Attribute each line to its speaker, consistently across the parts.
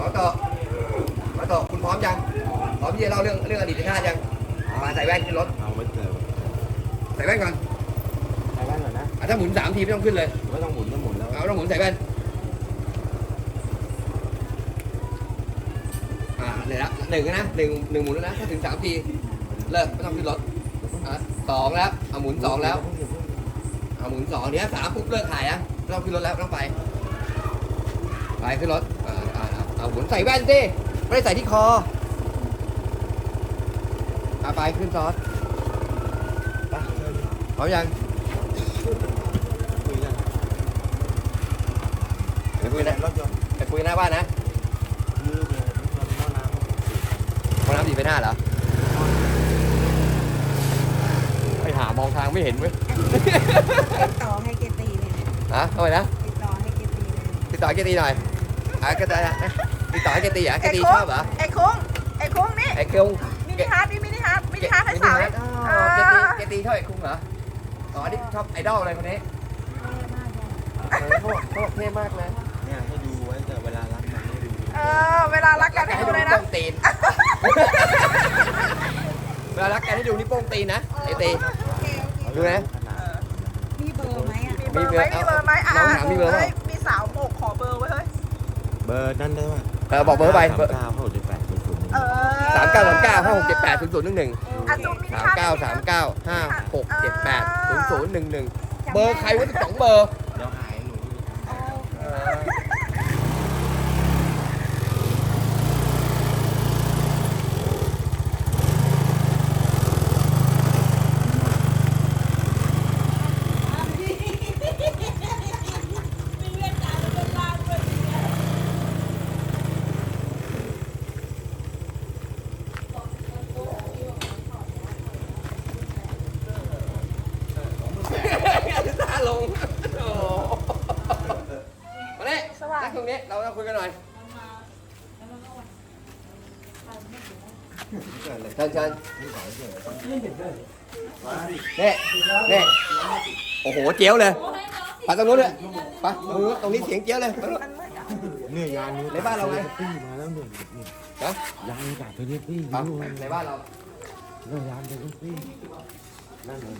Speaker 1: มาต่อคุณพร้อมยังพร้อมที่จะเล่าเรื่องอดีตชาติยังมาใส่แว่นขึ้นรถ
Speaker 2: เอาไม่เจอ
Speaker 1: ใส่แว่นก่อน
Speaker 2: ใส่แว่นก่อนนะ
Speaker 1: ถ้าหมุน3 ทีไม่ต้องขึ้นเลย
Speaker 2: ไม่ต้องหมุนแล้ว
Speaker 1: เอาต้องหมุนใส่แว่นเลยละ1นะ1หมุนแล้วนะถ้าถึง3 ทีเลิกไม่ต้องขึ้นรถ2แล้วเอาหมุน2แล้วเอาหมุน2เนี้ย3ปุ๊บเลิกถ่ายไม่ต้องขึ้นรถแล้วต้องไปขึ้นรถเอาหมุนใส่แว่นสิไม่ได้ใส่ที่คอไปขึ้นซอสพร้อมยังไปคุยนะไปคุยหน้าบ้านนะห้องน้ำ4 ไป 5เหรอไปหามองทางไม่เห็นเว้ย
Speaker 3: ติดต่อให้เกตีเลย
Speaker 1: ทำไมนะ
Speaker 3: ติดต่อให้เกตีเลย
Speaker 1: ติดต่อให้เกตีหน่อยก็ได้นะติดต่อให้เกตีเหรอเกตีชอบเหรอ
Speaker 3: ไอ้คุ้งนี่
Speaker 1: ไอ้คุ้ง
Speaker 3: มินิฮาร์ดให้สาว
Speaker 1: เกตีชอบไอ้คุ้งเหรอที่ชอบไอดอลอะไรคนนี้โคตรเท่มากเลย
Speaker 2: เนี่ยให้ดูไว้แต่เวลารักกันให้ดู
Speaker 3: เวลารักกันให้ดูเลยนะ
Speaker 1: เวลารักกันให้ดูนี่โป้งตีนนะไอตีดูนะ
Speaker 3: มีเบอร์ไหม
Speaker 1: มีเบอร์ไหมน้องถามมีเบอร์ไหม
Speaker 3: มีสาวโบกขอเบอร์ไว้เฮ้ย
Speaker 2: เบอร์นั่นได้ป่ะ
Speaker 1: บอกเบอร์ไป
Speaker 2: 39567800
Speaker 1: 393956780011เบอร์ใครวะ12 เบอร์
Speaker 2: เดี๋ยวหายหนู
Speaker 1: ลงมาเนี่ยนั่งตรงนี้เราคุยกันหน่อยเชิญนี่โอ้โหเจี๊ยวเลยไปตรงนู้นเลยไปตรงนี้เสียงเจี๊ยวเลย
Speaker 2: เนี่ยยานนี้
Speaker 1: ในบ้านเราไง
Speaker 2: มาแล้วเนี่ยยานจากเทเลปี้
Speaker 1: ในบ้านเรา
Speaker 2: เนี่ยยานเทเลปี้นั่นเลย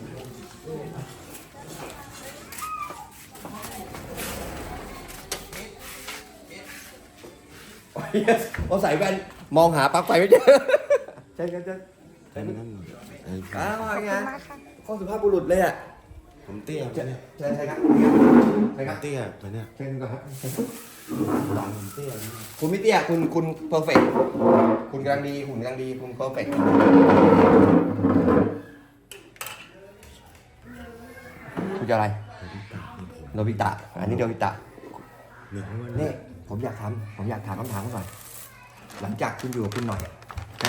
Speaker 1: เอาใส่แว่นมองหาปลั๊กไฟไม่เจอใช่
Speaker 2: นั่น
Speaker 1: ว่าไงข้อสุภาพบุรุษเลย
Speaker 2: ผมเตี้ยเนี่ย
Speaker 1: ใช่ครับ
Speaker 2: เตี้ยตัวเนี้ย
Speaker 1: เชิญก่อนครับ
Speaker 2: ผมเตี้ย
Speaker 1: คุณไม่เตี้ยคุณเพอร์เฟกต์คุณกำลังดีคุณเพอร์เฟกต์คุณจะอะไรโนบิตะอันนี้โนบิตะนี่ผมอยากถามคำถามก่อนหลังจากคุณอยู่กับคุณหน่อยนะ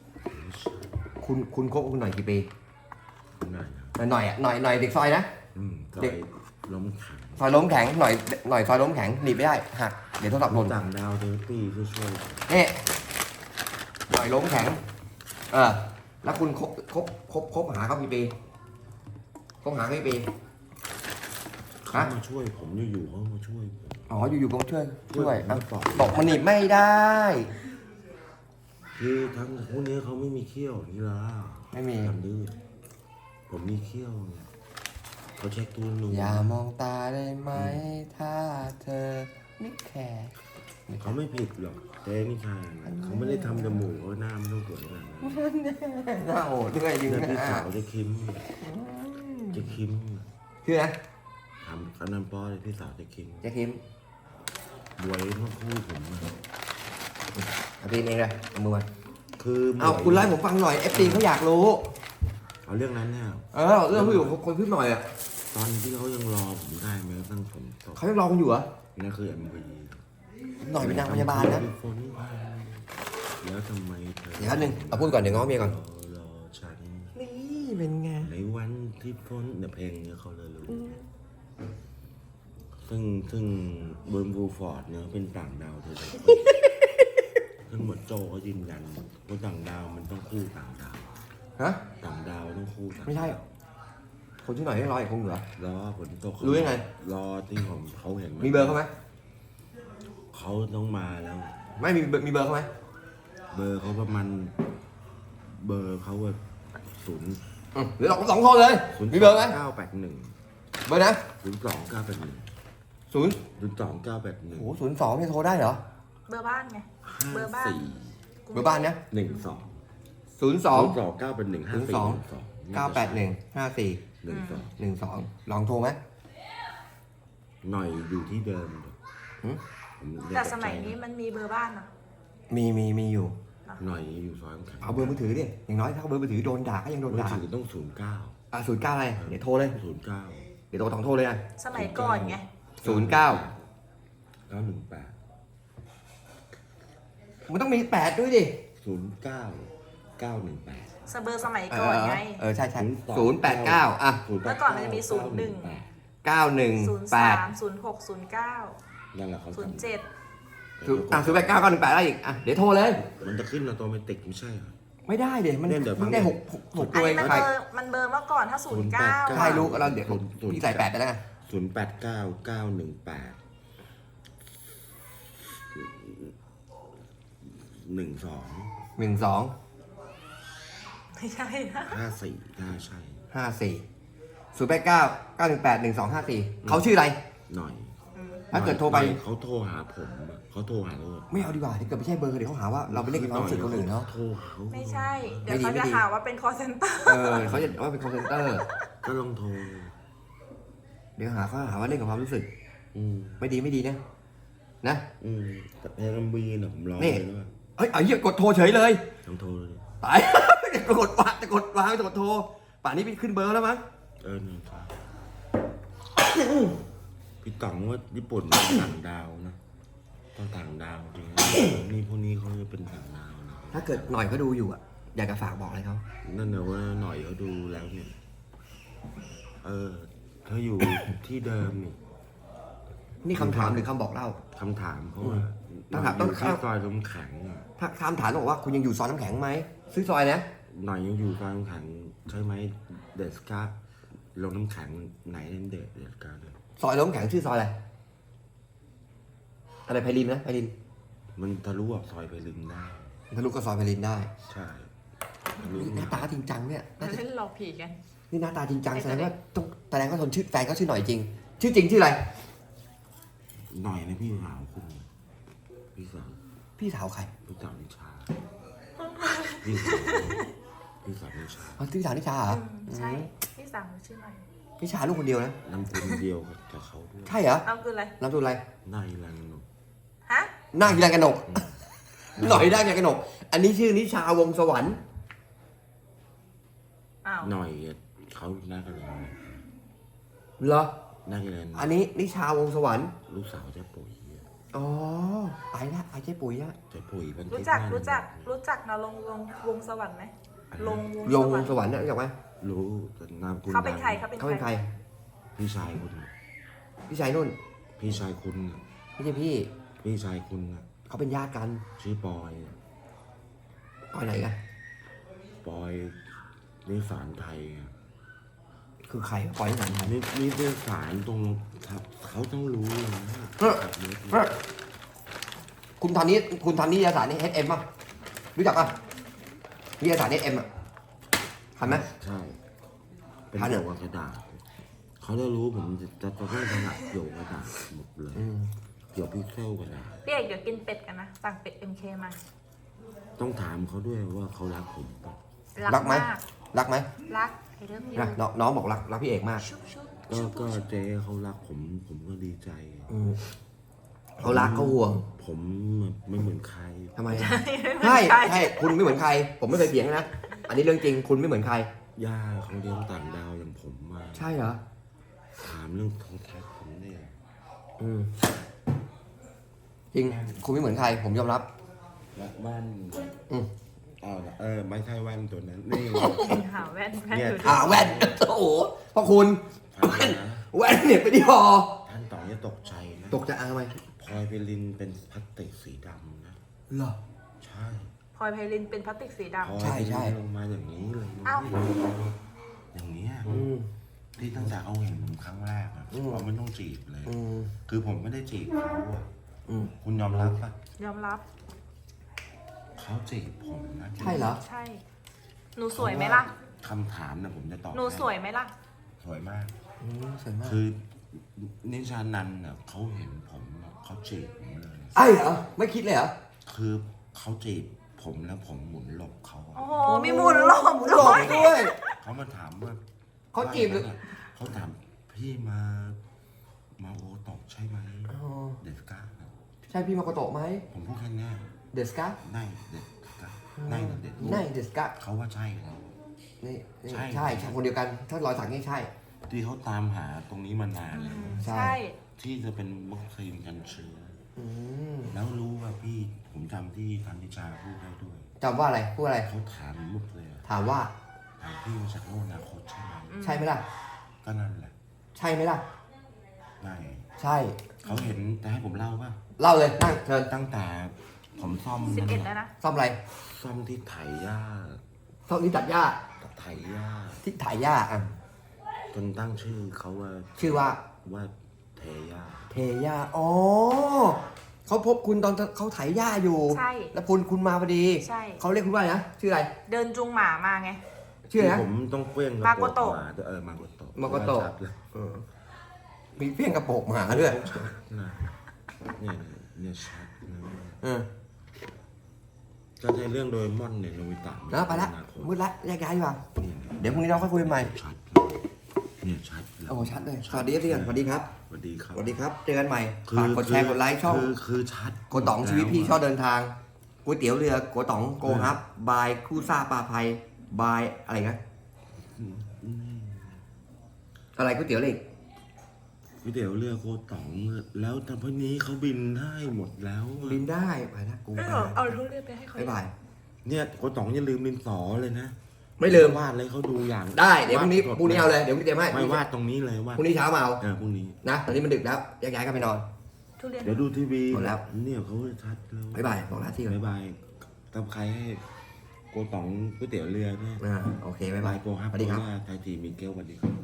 Speaker 1: คุณคบกับคุณหน่อยกี่ปีหน่อยเด็กซอยนะ
Speaker 2: เด็กล้มแข็ง
Speaker 1: ซอยล้มแข็งหน่อยซอยล้มแข็งหนีไม่ได้หักเดี๋ยวโทรศัพท์หล่น
Speaker 2: ต่างดาวเทเลปี้ช่วย
Speaker 1: นี่หน่อยล้มแข็งแล้วคุณคบหาเขากี่ปีคบหาเขากี่ปี
Speaker 2: เขามาช่วยผมอยู่เขามาช่วย
Speaker 1: อยู่ๆก็ช่วยตกมันหนีไม่ได้
Speaker 2: คือทั้งพวกนี้เขาไม่มีเขี้ยวนี่ล่ะ
Speaker 1: ไม่มี
Speaker 2: ทำดื้อผมมีเขี้ยวเขาเช็คตัวหนู
Speaker 1: อย่ามองตาได้ไหมถ้าเธอไม่แคร์
Speaker 2: เขาไม่ผิดหรอกเจ๊นี่ค่ะเขาไม่ได้ทำจมูกเขาหน้าไม่ต้องสวยขนาดนั้น
Speaker 1: หน้าโหดด้วยจริง
Speaker 2: นะพี่สาวจะคิม
Speaker 1: คือนะ
Speaker 2: ทำกันน้ำป้อเลยพี่สาวจะคิมบวยทั้งคู่ผม
Speaker 1: เอาตีนเองเลยเอามือมา
Speaker 2: คือ
Speaker 1: คุณไล่ผมฟังหน่อยเอฟซีเขาอยากรู้
Speaker 2: เอาเรื่องนั้นเนี่ย
Speaker 1: เรื่องผู้อยู่คนขึ้นหน่อย
Speaker 2: ตอนที่เขายังรอผมได้ไหมตั้งผม
Speaker 1: เขายังรอคุณอยู่เหรอ
Speaker 2: นั่นคือMVP
Speaker 1: หน่อยเป็นนางพยาบาลนะ
Speaker 2: แล้วทำไมเธอ
Speaker 1: เดี๋ยวนึงเอาพูดก่อนเดี๋ยวง้อเมียก่อน
Speaker 2: รอฉัน
Speaker 1: นี่เป็นไง
Speaker 2: ในวันที่ฝนเนี่ยเพลงเนี่ยเขาเลยรู้ซึ่งเบิร์นบูฟอร์ดเนี่ยเป็นต่างดาวเธอทั้งหมดโจก็ยืนยันว่าต่างดาวมันต้องคู่ต่างดาวต่างดาวต้องคู่
Speaker 1: ไม่ใช่คนที่หน่อยให้รออีกคงเหรอ
Speaker 2: รอฝนตก
Speaker 1: รู้ยังไง
Speaker 2: รอที่ผมเขาเห็น
Speaker 1: มีเบอร์เขาไหม
Speaker 2: เขาต้องมาแล้ว
Speaker 1: ไม่มีเบอร์เขาไหม
Speaker 2: เบอร์เขาประมาณเบอร์เขาว่าศูนย์
Speaker 1: หรือเราสองคนเลย มีเบอร์ไหม
Speaker 2: 981
Speaker 1: เบอร์นะ
Speaker 2: 02981
Speaker 1: ศูนย์
Speaker 2: 02981
Speaker 1: โอ้02เนี่ยโทรได้เหรอ
Speaker 3: เบอร์บ้านไง เบอร์บ้าน
Speaker 1: เบอร์บ้านนะ
Speaker 2: 12
Speaker 1: 02
Speaker 2: 981
Speaker 1: 981 54 12ลองโทรไหม
Speaker 2: หน่อยอยู่ที่เดิม
Speaker 1: หืม
Speaker 2: ผมเรีก
Speaker 3: แต่สมัยนี้มันมีเบอร์บ้านเหรอ
Speaker 1: มีอยู่
Speaker 2: หน่อยอยู่ซอยน้ำแข็ง
Speaker 1: เอาเบอร์มือถือดิอย่างน้อยถ้าเอาเบอร์มือถือโดนด่าก็ยังโดน
Speaker 2: มือ
Speaker 1: ด่า
Speaker 2: ถือต้อง
Speaker 1: 09อะไรเดี๋ยวโทรเลย
Speaker 2: 09
Speaker 1: เดี๋ยวโทรเลยนะ
Speaker 3: สมัยก่อนไง
Speaker 1: 09
Speaker 2: 918
Speaker 1: มันต้องมี8ด้วยดิ
Speaker 2: 09 918
Speaker 3: เบอร์สมัยก่อนไง
Speaker 1: ใช่089อ่ะ
Speaker 3: เมื่อก่อนมันจะมี01
Speaker 1: 918
Speaker 3: 03 06 09
Speaker 2: นั่นแหละเขา
Speaker 3: 07
Speaker 1: 089 918ได้อีกอ่ะเดี๋ยวโทรเลย
Speaker 2: มันจะขึ้นออโตเมติกไม่ใช่เหรอ
Speaker 1: ไม่ได้เดี๋ยวมัน
Speaker 2: เดี๋ยว
Speaker 1: มันได้
Speaker 2: ฟัง
Speaker 1: 6
Speaker 3: อั
Speaker 1: ตั
Speaker 3: น
Speaker 1: วเอ
Speaker 3: นี้
Speaker 1: ง
Speaker 3: มัน
Speaker 1: ใคร
Speaker 3: เบอร์เมื่อก่อนถ้า 09
Speaker 1: ใช่รู้เราเดี๋ยวพี่ใส่8ไปแล้วไง
Speaker 2: 089 918 12
Speaker 1: 12
Speaker 3: ไม่ใช่นะ
Speaker 2: 54น่าใช่
Speaker 1: 54 089 918 1254เขาชื่ออะไร
Speaker 2: หน่อย
Speaker 1: ถ้าเกิดโทรไป
Speaker 2: เขาโทรหาผมอะเขาโทรหาโรด
Speaker 1: ไม่เอาดีกว่าถ้าเกิดไม่ใช่เบอร์เดี๋ยวเขาหาว่าเราไปเล่นกับความรู้สึกคนอื่นเนาะ
Speaker 2: โทรหาเขา
Speaker 3: ไม่ใช่ เดี๋ยวเขาจะหาว่าเป็น call center
Speaker 1: เขาจะว่าเป็น call center
Speaker 2: ก็ลองโทร
Speaker 1: เดี๋ยวเขาหาว่าเล่นกับความรู้สึก ไม่ดีนะนะ
Speaker 2: แต่เพลงบีน่ะผมรอ
Speaker 1: นี่
Speaker 2: เลยด้วย
Speaker 1: เฮ้ยไอ้เหี้ยกดโทรเฉยเลย
Speaker 2: ลองโทรเลย
Speaker 1: ตาย จะกดวางจะกดโทรป่านนี้พี่ขึ้นเบอร์แล้วมั้ง
Speaker 2: นี่ครับพี่ต๋องว่าญี่ปุ่นเป็นต่างดาวนะต้องต่างดาวจริงนะนี่พวกนี้เขาจะเป็นต่างดาวนะ
Speaker 1: ถ้าเกิดหน่อยเขาดูอยู่อ่ะอยากจะฝากบอกอะไรเขา
Speaker 2: นั่นนะว่าหน่อยเขาดูแล้วเนี่ยเขาอยู่ที่เดิมนี่
Speaker 1: นี่คำถามหรือคำบอกเล่า
Speaker 2: คำถามเขาว่า
Speaker 1: ต้องถาม
Speaker 2: อยู่ที่ซอยลมแข็งอะ
Speaker 1: ถ้าคำถามต้องบอกว่าคุณยังอยู่ซอยน้ำแข็งไหมซื้อซอยนะ
Speaker 2: หน่อยยังอยู่ซอยลมแข็งใช่ไหมเดสกาลงน้ำแข็งไหนเดสกาเลย
Speaker 1: ซอยน้ำแข็งชื่อซอยอะไรอะไรไพลินนะไพลิน
Speaker 2: มันทะลุออกซอยไปลึงได้
Speaker 1: ทะลุก็ซอยไพลินได้
Speaker 2: ใช่ทะลุ
Speaker 1: หน้าตาจริงจังเนี่ยน่าจะ
Speaker 3: เล่นหลอกผีกัน
Speaker 1: นี่หน้าตาจริงจังแสดงว่าทนชื่อแฟนเขาชื่อหน่อยจริง ชื่อจริงชื่ออะไร
Speaker 2: หน่อยนะพี่สาวคุณพี่สาว
Speaker 1: พี่สาวใคร
Speaker 2: พี่สาวนิชาพี่สาวนิชา
Speaker 1: อ๋อพี่สาวนิชาเหรอ
Speaker 3: ใช่พี่สาวชื่ออะไร
Speaker 1: นิชาลูกคนเดียวนะ
Speaker 2: นำคนเดียวกับเขาด้วย
Speaker 1: ใช่เหรอ
Speaker 3: เราคืออะไร
Speaker 1: นามสกุลอะไร
Speaker 2: นายรันหนก
Speaker 3: ฮะ
Speaker 1: นางกีฬากระหนก หน่อยได้กีฬากระหนก อันนี้ชื่อนิชาวงศ์สวรรค์
Speaker 3: อ้าว
Speaker 2: หน่อยเขาหน้ากันเลย
Speaker 1: เหรอ
Speaker 2: หน้ากันเลย
Speaker 1: อันนี้นิชาวงศ์สวรรค์
Speaker 2: ลูกสาวเจ๊ปุ๋ย
Speaker 1: อ๋อไอ้ละไอ้เจ๊ปุ๋ยละ
Speaker 2: เจ๊ปุ๋ยเป็น
Speaker 3: รู้จักนะวงสวรรค์ไหมลง
Speaker 1: ลง
Speaker 3: ว
Speaker 1: ว
Speaker 3: ง
Speaker 1: ง
Speaker 3: ส
Speaker 1: ส
Speaker 3: วรรค์
Speaker 1: วรรค์เนี่ยรู้จักไหม
Speaker 2: รู้แต่นามคุณ
Speaker 3: เขาเป็นใครเขา
Speaker 1: เขาเป็นใคร
Speaker 2: พี่ชายคุณ
Speaker 1: พี่ชายนุ่น
Speaker 2: พี่ชายคุณน่ะ
Speaker 1: ไม่ใช่พี่
Speaker 2: พี่ชายคุณน่ะ
Speaker 1: เขาเป็นญาติกัน
Speaker 2: ชื่อปอยน่ะ
Speaker 1: ปอยไหนกัน
Speaker 2: ปอยนิสานไทยอ่ะ
Speaker 1: คือใครปอยที่ไหนกัน
Speaker 2: นี่นิสานตรงเขาต้องรู้เลยนะ
Speaker 1: คุณทำนิตยสารนี่ HM ป่ะรู้จักป่ะนิตยสาร HM อ่ะทันไหม
Speaker 2: ใช่เป็น
Speaker 1: ทันเหรอ
Speaker 2: เกี่ยวกับกระดาษเขาจะรู้ผมจะต้องถนัดเกี่ยวกับกระดาษหมดเลยเกี่ยวกับพิกเซลกระดาษ
Speaker 3: พี่เอกเดี๋ยวกินเป็ดกันนะ สั่งเป็ด MK มา
Speaker 2: ต้องถามเขาด้วยว่าเขารักผมเปล่า
Speaker 1: รักไหม
Speaker 3: มาก
Speaker 1: รักไหม
Speaker 3: รักไอ้เรื่องนี้
Speaker 1: นะน้องบอกรักพี่เอกมาก
Speaker 3: ชุบชุบ
Speaker 2: ก็เจ๊เขารักผมก็ดีใจ
Speaker 1: เขารักเขาห่วง
Speaker 2: ผมไม่เหมือนใคร
Speaker 1: ทำไมอะใช่คุณไม่เหมือนใคร ผมไม่เคยเถียงนะอันนี้เรื่องจริงคุณไม่เหมือนใคร
Speaker 2: ย่าเขาเลี้ยงต่างดาวอย่างผมมา
Speaker 1: ใช่เหรอ
Speaker 2: ถามเรื่องโทรทัศน์ผมเนี่ย
Speaker 1: จริงคุณไม่เหมือนใคร ผมยอมรับ
Speaker 2: แว่น
Speaker 1: อืม
Speaker 2: ไม่ใช่แว่นตัวนั้นนี่
Speaker 3: หาแว่น
Speaker 2: เนี่ย
Speaker 3: อยู่ดิ
Speaker 1: แว่นโอ้โหพ่อคุณ
Speaker 2: ฟังนะ
Speaker 1: แว่นเนี่ยไปที่หอ
Speaker 2: ท่านต่อจะตกใจนะ
Speaker 1: ตกใจทำไม
Speaker 2: พลอยไพลินเป็นพลาสติกสีดำนะ
Speaker 1: เหรอ
Speaker 2: ใช่
Speaker 3: พลอยไพลินเป็นพลาสติกสีดำ
Speaker 2: พลอย
Speaker 1: ใช่
Speaker 2: ไพ
Speaker 1: ใช่
Speaker 2: ลินลงมาอย่างนี้เลย
Speaker 3: อ้าว
Speaker 2: อย่างเนี้ย
Speaker 1: อืม
Speaker 2: ที่ตั้งแต่เขาเห็นผมครั้งแรกอะเราไม่ต้องจีบเลย
Speaker 1: อืม
Speaker 2: คือผมไม่ได้จีบเขาอะ
Speaker 1: อืม
Speaker 2: คุณยอมรับปะ
Speaker 3: ยอมรับ
Speaker 2: เขาจีบผมนะ
Speaker 1: ใช่เหรอ
Speaker 3: ใช่ หนูสวยไหมล่ะ
Speaker 2: คำถามนะผมจะตอบ
Speaker 3: หนูสวยไหมล่ะ
Speaker 2: สวยมาก
Speaker 1: สวยมาก
Speaker 2: คือนิชานันท์น่ะเขาเห็นผมอะเขาจีบผมเลย
Speaker 1: ไอ้เหรอไม่คิดเลยเหรอ
Speaker 2: คือเขาจีบผมแล้วผมหมุนหลบเขาอะ
Speaker 3: โอ้โห มีหมุนหลบ
Speaker 1: หล
Speaker 3: ด้
Speaker 1: บ
Speaker 3: วย
Speaker 1: ด้วย
Speaker 2: เขามาถามว่า
Speaker 1: เขาจีบหรือ
Speaker 2: เขาถามพี่มาโอตกใช่ไหม
Speaker 1: อ๋อ
Speaker 2: เด็ดก้า
Speaker 1: ใช่พี่มาโกโตะไหม
Speaker 2: ผมพูดแค่เนี้ย
Speaker 1: เดสกา
Speaker 2: ในเด็ดก้าในเด็ด
Speaker 1: ในเดสกา
Speaker 2: เขาว่าใช่แล้ว
Speaker 1: นี่นี่
Speaker 2: ใช่
Speaker 1: ใช่ใช่คนเดียวกัน ถ้ารอยสักนี่ใช่
Speaker 2: ที่เขาตามหาตรงนี้มานานแล้ว
Speaker 1: ใช่
Speaker 3: ใช่
Speaker 2: ที่จะเป็นวัคซีนกันเชื้อ
Speaker 1: อืม
Speaker 2: แล้วรู้ว่าพี่ผมจำที่ธันนิชาพูดได้ด้วย
Speaker 1: จำว่าอะไรพูดอะไร
Speaker 2: เขาถามมุกเลยอะ
Speaker 1: ถามว่า
Speaker 2: ถามพี่มาจากโลกอนาคตใช่ไหม
Speaker 1: ใช่ไหมล่ะ
Speaker 2: ก็นั่นแหละ
Speaker 1: ใช่ไหมล่ะ
Speaker 2: ไม่
Speaker 1: ใช่
Speaker 2: เขาเห็นแต่ให้ผมเล่าว่า
Speaker 1: เล่าเลยนั่งเชิญ
Speaker 2: ตั้งแต่ผมซ่อม
Speaker 3: 11แล้วนะ
Speaker 1: ซ่อมอะไร
Speaker 2: ซ่อมที่ไถหญ้า
Speaker 1: ซ่อมที่ตัดหญ้า
Speaker 2: ไถหญ้า
Speaker 1: ที่ถ่ายหญ้าอ่ะ
Speaker 2: จนตั้งชื่อเขาว่า
Speaker 1: ชื่อว่า
Speaker 2: เทหญ้า
Speaker 1: เทหญ้าอ๋อเขาพบคุณตอนเขาไถหญ้าอยู่
Speaker 3: ใช่
Speaker 1: แล้วคุณมาพอดี
Speaker 3: ใช่
Speaker 1: เขาเรียกคุณว่าอะไรนะชื่ออะไร
Speaker 3: เดินจูงหมามาไง
Speaker 1: ชื่ออะไรนะ
Speaker 2: ผมต้องเกว้ง
Speaker 3: มาโกโตะ
Speaker 2: มาโกโตะ
Speaker 1: มาโกโตะ
Speaker 2: ชัดเลย
Speaker 1: เออมีเพี้ยงกระโปรงหมาด้วย
Speaker 2: นะเนี่ยชัดนะ
Speaker 1: เออ
Speaker 2: ก็ในเรื่องโดเรมอนเนี่ยโนบิตะ
Speaker 1: แล้วไปละ
Speaker 2: อนาคต
Speaker 1: มืดละแยกย้ายดีกว่า
Speaker 2: เนี่ย
Speaker 1: เดี๋ยวพรุ่งนี้เราค่อยคุยกันใหม่
Speaker 2: ชัดเลยเนี่ยชัดเลย
Speaker 1: โอ้ชัดเลยสวัสดีครับพี่กันสวัสดีครับ
Speaker 2: สวัสดีครับ
Speaker 1: สวัสดีครับเจอกันใหม่ฝากกดแชร์กดไลค์ช่อง
Speaker 2: คือชัด
Speaker 1: โกต๋องชีวิตพี่ชอบเดินทางก๋วยเตี๋ยวเรือโกต๋องโกฮับบายคู่ซ่าปลาไพบายอะไรนะอะไรก๋วยเตี๋ยวเลย
Speaker 2: ก๋วยเตี๋ยวเรือโกต๋องแล้วแต่พวกนี้เขาบินได้หมดแล้วอะ
Speaker 1: บินได้ไปนะกู
Speaker 3: เอาทุเรียนไปให้เขา
Speaker 1: บ๊ายบาย
Speaker 2: เนี่ยโกต๋องอย่าลืมดินสอเลยนะ
Speaker 1: ไม่ลืม
Speaker 2: วาดเลยเขาดูอย่าง
Speaker 1: ได้เดี๋ยวพรุ่งนี้
Speaker 2: วาด
Speaker 1: พรุ่งนี้เอาเลยเดี๋ยวพรุ่งนี้เตรียมให้
Speaker 2: ไม่วาดตรงนี้เลยวาด
Speaker 1: พรุ่งนี้เช้ามาเอา
Speaker 2: พรุ่งนี้
Speaker 1: นะตอนนี้มันดึกแล้วแยกย้ายกันไปนอน
Speaker 3: ทุเรียน
Speaker 2: เดี๋ยวดูทีวี
Speaker 1: หมดแล้ว
Speaker 2: เนี่ยเขาชัดแล้ว
Speaker 1: บ๊ายบายบอกลาที่ก่อน
Speaker 2: บ๊ายบายทำใครให้โกต๋องก๋วยเตี๋ยวเรือด้วย
Speaker 1: โอเคบ๊ายบาย
Speaker 2: โกฮับ
Speaker 1: สวัสดีครับ
Speaker 2: ไทยทีมีเกลสวัสดีครับ